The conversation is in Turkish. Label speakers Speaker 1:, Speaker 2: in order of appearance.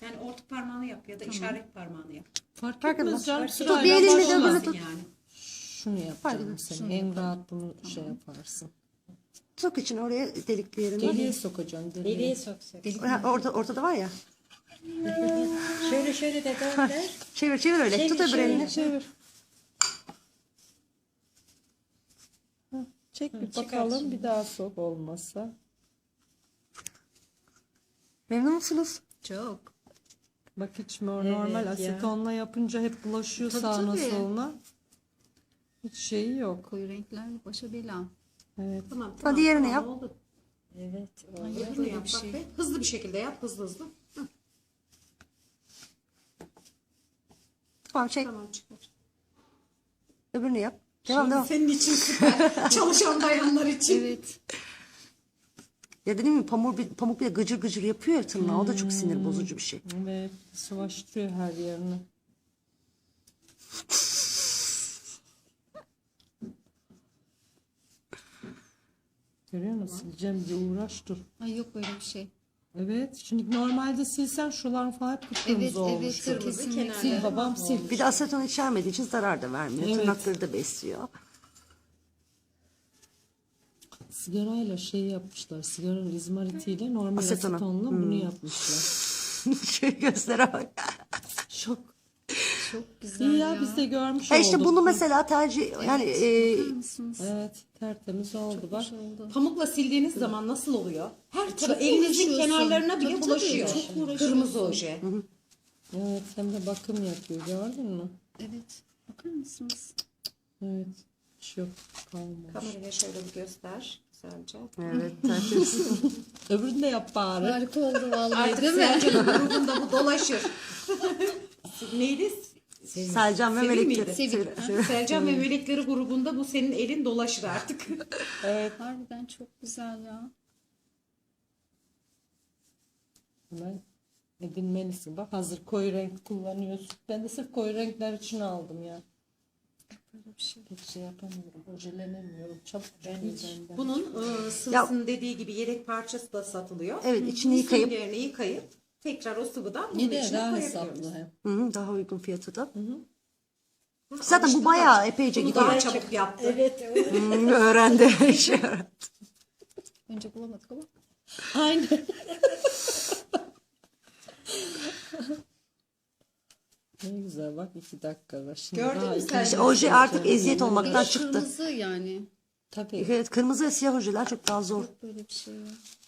Speaker 1: Yani orta parmağını yap ya da işaret parmağını yap.
Speaker 2: Fark
Speaker 3: Fark
Speaker 2: etmez
Speaker 3: etmez.
Speaker 2: canım.
Speaker 3: Tut,
Speaker 2: Sırayla
Speaker 3: bir elinle de
Speaker 2: başla.
Speaker 3: böyle tut.
Speaker 1: Yani.
Speaker 2: Şunu yapacağım senin. En rahat bunu şey yaparsın.
Speaker 3: Sok için oraya delikli yerine.
Speaker 2: Deliğe sokacaksın.
Speaker 4: Deliğe soksak.
Speaker 3: Ortada var ya.
Speaker 4: Şöyle de dönder.
Speaker 3: Çevir öyle.
Speaker 4: Çevir,
Speaker 3: Tut öbür
Speaker 4: çevir.
Speaker 3: elini.
Speaker 2: Çevir. Çek bir bakalım bir daha sok olmasa.
Speaker 3: Memnun musunuz?
Speaker 1: Çok.
Speaker 2: Bak hiç normal
Speaker 4: Evet ya.
Speaker 2: asetonla yapınca hep bulaşıyor
Speaker 1: Tabii,
Speaker 2: sağına
Speaker 1: tabii.
Speaker 2: soluna. Hiç şeyi yok.
Speaker 1: Koyu renkler başa bela.
Speaker 2: Evet.
Speaker 1: Tamam.
Speaker 3: Hadi diğerini yap.
Speaker 1: Oldu.
Speaker 4: Evet.
Speaker 1: Hızlı yap bak be. Hızlı bir şekilde yap. Hızlı. Hı,
Speaker 3: Tamam çek.
Speaker 1: tamam çıkar.
Speaker 3: Öbürünü yap. Devam.
Speaker 1: Senin için süper. Çalışan bayanlar için.
Speaker 4: Evet.
Speaker 3: Ya dedim mi pamuk bir de gıcır gıcır yapıyor ya tırnağı. O da çok sinir bozucu bir şey.
Speaker 2: Evet. Sıvaştırıyor her yerini. Görüyor musun? Sileceğim diye uğraş dur.
Speaker 1: Ay yok böyle bir şey.
Speaker 2: Evet. Şimdi normalde silsen şuralar falan hep kıpkırmızı olmuş.
Speaker 1: Kırmızı kenarda.
Speaker 2: Sil babam sil.
Speaker 3: Bir de aseton içermediği için zarar da vermiyor.
Speaker 2: Evet.
Speaker 3: Tırnakları da besliyor.
Speaker 2: Sigarayla şey yapmışlar. Sigaranın izmaritiyle normal
Speaker 3: Asetona.
Speaker 2: asetonla bunu yapmışlar.
Speaker 3: Şey göstere bak.
Speaker 2: Şok.
Speaker 1: Çok güzel
Speaker 2: İyi ya biz de görmüş
Speaker 3: Ha işte
Speaker 2: olduk.
Speaker 3: bunu mesela tercih yani
Speaker 2: Evet tertemiz oldu bak.
Speaker 1: Pamukla sildiğiniz zaman nasıl oluyor? Her tarafı
Speaker 4: Çok
Speaker 1: elinizin
Speaker 4: uğraşıyorsun.
Speaker 1: kenarlarına bile
Speaker 4: Tabii,
Speaker 1: bulaşıyor.
Speaker 4: tabii, çok uğraşıyorsun.
Speaker 1: Kırmızı oje.
Speaker 2: Evet hem de bakım yapıyor gördün mü?
Speaker 1: Evet. Bakar mısınız?
Speaker 2: Evet. Hiç yok kalmamış.
Speaker 1: Kameraya şöyle bir göster. Güzelce.
Speaker 3: evet tertemiz.
Speaker 2: Öbürünü de yap bari.
Speaker 4: Harika oldu vallahi
Speaker 1: Artık
Speaker 4: değil mi?
Speaker 1: Selcan'ın grubunda bu dolaşır. Neydi?
Speaker 3: Selcan ve
Speaker 1: Sevil
Speaker 3: melekleri.
Speaker 1: miydi?
Speaker 3: Sevil.
Speaker 1: Selcan ve Melekleri grubunda bu senin elin dolaşır artık.
Speaker 4: Harbiden çok güzel ya.
Speaker 2: Hemen edinmelisin. Bak hazır koyu renk kullanıyorsun. Ben de sırf koyu renkler için aldım ya.
Speaker 4: Böyle bir şey.
Speaker 2: Pek şey yapamıyorum. Ojelenemiyorum. Çabuk benden.
Speaker 1: Bunun sıvısının dediği gibi yedek parçası da satılıyor.
Speaker 3: Evet, içini
Speaker 1: Bu
Speaker 3: yıkayıp-
Speaker 1: süngerini yıkayıp tekrar o sıvıdan bunun
Speaker 2: Bir de
Speaker 1: içine
Speaker 2: daha
Speaker 1: koyabiliyoruz.
Speaker 2: hesaplı hem.
Speaker 3: Hı hı, daha uygun fiyatı da. Zaten bu bayağı epeyce
Speaker 1: Bunu
Speaker 3: gidiyor.
Speaker 1: daha çabuk yaptı.
Speaker 4: Evet.
Speaker 3: Öğrendi. Şey öğrendi.
Speaker 4: Önce bulamadık ama.
Speaker 2: Aynen. Ne güzel bak 2 dakika var. Şimdi
Speaker 1: Gördün
Speaker 2: daha
Speaker 1: mü
Speaker 2: iki-
Speaker 1: sen?
Speaker 3: İşte oje artık eziyet olmaktan çıktı.
Speaker 4: Kırmızı yani.
Speaker 2: Tabii.
Speaker 3: Evet, kırmızı ve siyah ojeler çok daha zor.
Speaker 4: Böyle bir şey ya.